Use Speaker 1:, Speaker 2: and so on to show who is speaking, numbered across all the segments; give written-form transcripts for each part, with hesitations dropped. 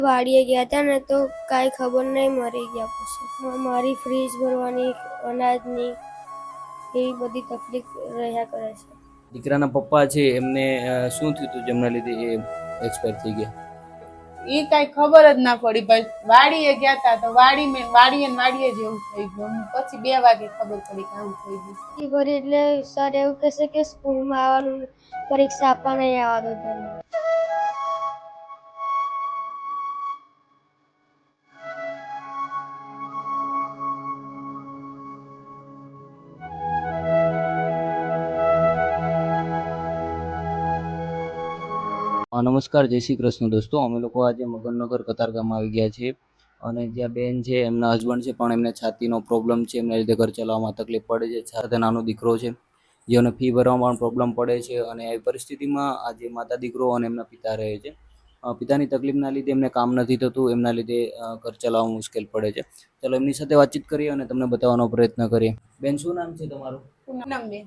Speaker 1: વાડીએ ગયા હતા ને તો કાંઈ ખબર નહીં, મરી ગયા. પછી મારી ફ્રીજ ભરવાની, અનાજની એવી બધી તકલીફ રહ્યા કરે છે.
Speaker 2: દીકરાના પપ્પા છે એમને શું થયું હતું જેમના લીધે એ એક્સપાયર થઈ ગયા?
Speaker 3: એ કઈ ખબર જ ના પડી ભાઈ. વાડીએ ગયા હતા તો વાડીએ જ એવું થઈ ગયું. પછી 2 વાગે ખબર પડી કે આવું થઈ ગયું.
Speaker 1: ભરી એટલે સર એવું કહેશે કે સ્કૂલમાં આવવાનું, પરીક્ષા આપવા નહીં આવવા દો.
Speaker 2: નમસ્કાર, જય શ્રી કૃષ્ણ દોસ્તો. અમે લોકો આજે મગનનગર કતારગામમાં આવી ગયા છીએ અને જ્યાં બેન છે એમના હસબન્ડ છે પણ એમને છાતીનો પ્રોબ્લેમ છે, એમના લીધે ઘર ચલાવવામાં તકલીફ પડે છે. સાથે નાનો દીકરો છે જેઓને ફી ભરવામાં પણ પ્રોબ્લેમ પડે છે અને આવી પરિસ્થિતિમાં આજે માતા દીકરો અને એમના પિતા રહે છે. પિતાની તકલીફના લીધે એમને કામ નથી થતું, એમના લીધે ઘર ચલાવવામાં મુશ્કેલ પડે છે. ચાલો એમની સાથે વાતચીત કરીએ અને તમને બતાવવાનો પ્રયત્ન કરીએ. બેન, શું નામ છે તમારું?
Speaker 3: પૂનમબેન.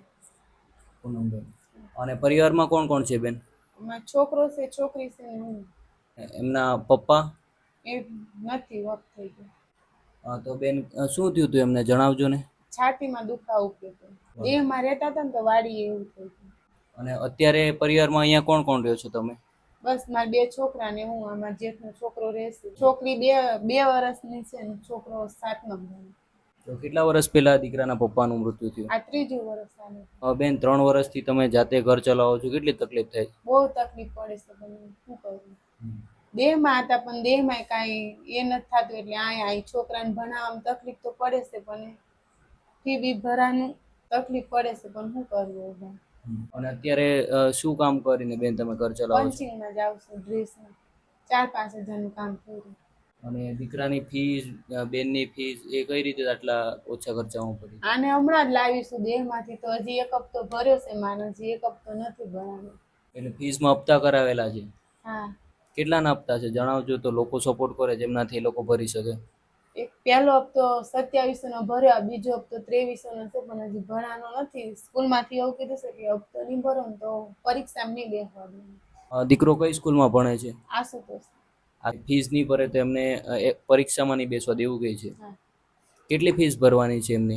Speaker 2: પૂનમબેન. અને પરિવારમાં કોણ કોણ છે બેન?
Speaker 3: છોકરો છે, છોકરી છે ને હું.
Speaker 2: એમના પપ્પા
Speaker 3: એ નથી, વખત થઈ ગયો.
Speaker 2: તો બેન, શું થયું હતું એમને જણાવજો ને.
Speaker 3: છાતીમાં દુખાવો થયો. દેહમાં રહેતા હતા ને તો વાડી એવું થઈ ગયું.
Speaker 2: અને અત્યારે પરિવારમાં અહીંયા કોણ કોણ રહ્યો છો તમે?
Speaker 3: બસ મારા 2 છોકરા ને હું. આમાં જેઠનો છોકરો રહેશે. છોકરી 2 વર્ષની છે ને છોકરો 7મા ભણે.
Speaker 2: તો કેટલા વર્ષ પહેલા દીકરાના પપ્પાનું મૃત્યુ થયું?
Speaker 3: આ 3જું વર્ષ આનું.
Speaker 2: બેન, 3 વર્ષથી તમે જાતે ઘર ચલાવો છો, કેટલી તકલીફ થાય?
Speaker 3: બહુ તકલીફ પડે છે, પણ શું કરું. દેહમાં હતા પણ દેહમાં કાંઈ એ નથી થતું એટલે અહીં છોકરાને ભણાવવામાં તકલીફ તો પડે છે, પણ ફી બી ભરવાનું તકલીફ પડે છે, પણ શું કરવું.
Speaker 2: અને અત્યારે શું કામ કરીને બેન તમે ઘર ચલાવો છો?
Speaker 3: પંચિંગમાં જાઉં છું, ડ્રેસમાં 4-5 હજારનું કામ કર્યું.
Speaker 2: અને દીકરાની ફીસ, બેનની ફીસ એ કઈ રીતે આટલા ઓછા ખર્ચામાં પડી?
Speaker 3: આને હમણાં જ લાવીશું દેહમાંથી, તો હજી 1 હપ્તો ભર્યો છે માનો, હજી 1 હપ્તો નથી ભરાનો.
Speaker 2: એટલે ફીસમાં હપ્તા કરાવેલા છે?
Speaker 3: હા.
Speaker 2: કેટલાના હપ્તા છે જણાવજો તો લોકો સપોર્ટ કરે, જેમનાથી એ લોકો ભરી શકે.
Speaker 3: એક પહેલો હપ્તો 2700 નો ભર્યો, બીજો હપ્તો 2300 નો છે, પણ હજી ભરાનો નથી. સ્કૂલમાંથી એવું કીધું છે કે હપ્તો નહીં ભરો ને તો પરીક્ષામાં નહીં બેસવા દે.
Speaker 2: દીકરો કઈ સ્કૂલમાં ભણે છે?
Speaker 3: આશુતોષ.
Speaker 2: આ ફીસ નહીં ભરે તો એમને પરીક્ષામાં નહીં બેસવા દેવું કહે છે.
Speaker 3: હા.
Speaker 2: કેટલી ફીસ ભરવાની છે એમની?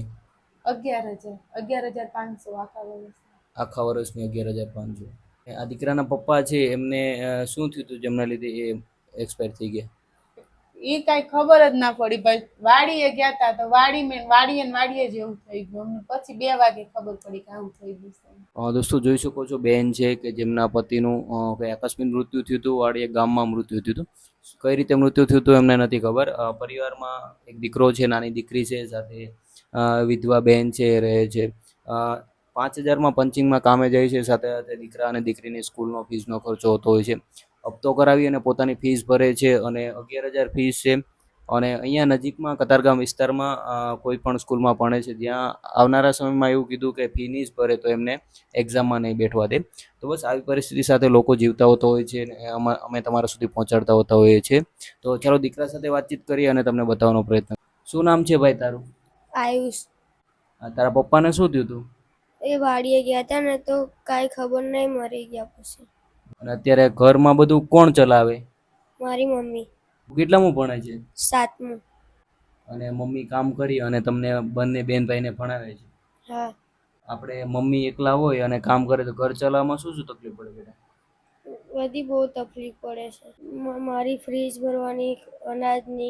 Speaker 3: 11,500
Speaker 2: આખા વર્ષની 11,500. આ દીકરાના પપ્પા છે એમને શું થયું હતું જેમના લીધે એ એક્સપાયર થઈ ગયા?
Speaker 3: એ કઈ ખબર જ ના પડી ભાઈ. વાડીએ ગયા હતા તો વાડીએ જ એવું થઈ ગયું. પછી 2 વાગે ખબર પડી કે આવું થઈ ગયું.
Speaker 2: દોસ્તો, જોઈ શકો છો બેન છે કે જેમના પતિનું કઈ આકસ્મિક મૃત્યુ થયું હતું, વાડીએ ગામમાં મૃત્યુ થયું હતું. કઈ રીતે મૃત્યુ થયું હતું એમને નથી ખબર. પરિવારમાં એક દીકરો છે, નાની દીકરી છે, સાથે વિધવા બેન છે રહે છે. 5,000માં પંચિંગમાં કામે જાય છે, સાથે સાથે દીકરા અને દીકરીની સ્કૂલનો ફીસનો ખર્ચો હોતો હોય છે. હપ્તો કરાવી અને પોતાની ફીસ ભરે છે અને 11,000 ફીસ છે. અને અહીંયા નજીકમાં કતારગામ વિસ્તારમાં કોઈ પણ સ્કૂલમાં ભણે છે, જ્યાં આવનારા સમયમાં એવું કીધું કે ફી નહીં ભરે તો એમને એક્ઝામમાં નહીં બેઠવા દે. તો બસ આવી પરિસ્થિતિ સાથે લોકો જીવતા હોતા હોય છે, અમે તમારા સુધી પહોંચાડતા હોતા હોઈએ છીએ. તો ચાલો દીકરા સાથે વાતચીત કરીએ અને તમને બતાવવાનો પ્રયત્ન. શું નામ છે ભાઈ તારું?
Speaker 1: આયુષ.
Speaker 2: તારા પપ્પાને શું થયું હતું?
Speaker 1: એ વાડીએ ગયા હતા ને તો કાંઈ ખબર નહીં, મરી ગયા. પછી
Speaker 2: અને અત્યારે ઘરમાં બધું કોણ ચલાવે?
Speaker 1: મારી મમ્મી.
Speaker 2: કેટલામું ભણે છે?
Speaker 1: 7મું.
Speaker 2: અને મમ્મી કામ કરી અને તમને બંને બેન ભાઈને ભણાવે છે?
Speaker 1: હા.
Speaker 2: આપણે મમ્મી એકલા હોય અને કામ કરે તો ઘર ચલાવવામાં શું શું તકલીફ પડે બેટા?
Speaker 1: બધી બહુ તકલીફ પડે છે. મારી ફ્રીજ ભરવાની, અનાજની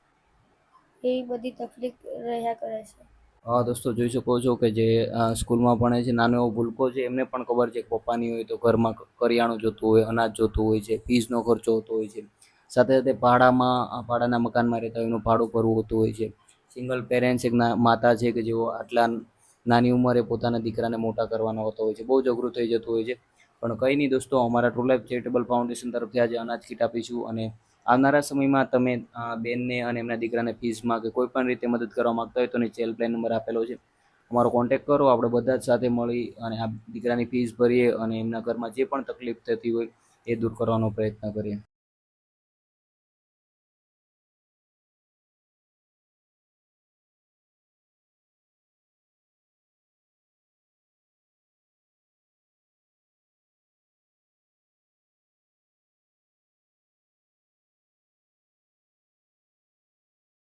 Speaker 1: એવી બધી તકલીફ રહ્યા કરે છે.
Speaker 2: દોસ્તો, જોઈ શકો છો કે જે સ્કૂલમાં ભણે છે, નાનો એવો ભૂલકો છે, એમને પણ ખબર છે કે પપ્પાની હોય તો ઘરમાં કરિયાણું જોતું હોય, અનાજ જોતું હોય છે, ફીસનો ખર્ચો હોતો હોય છે. સાથે સાથે ભાડાના મકાનમાં રહેતા હોય, એનું ભાડું ભરવું હોતું હોય છે. સિંગલ પેરેન્ટ્સ એક માતા છે કે જેઓ આટલા નાની ઉંમરે પોતાના દીકરાને મોટા કરવાના હોતા હોય છે. બહુ જ અઘરું થઈ જતું હોય છે. પણ કંઈ નહીં દોસ્તો, અમારા ટ્રુ લાઈફ ચેરિટેબલ ફાઉન્ડેશન તરફથી આજે અનાજ કીટ આપીશું અને આવનારા સમયમાં તમે બેનને અને એમના દીકરાને ફીસમાં કે કોઈ પણ રીતે મદદ કરવા માગતા હોય તો નીચે હેલ્પલાઇન નંબર આપેલો છે, અમારો કોન્ટેક્ટ કરો. આપણે બધા જ સાથે મળી અને આ દીકરાની ફીસ ભરીએ અને એમના ઘરમાં જે પણ તકલીફ થતી હોય એ દૂર કરવાનો પ્રયત્ન કરીએ.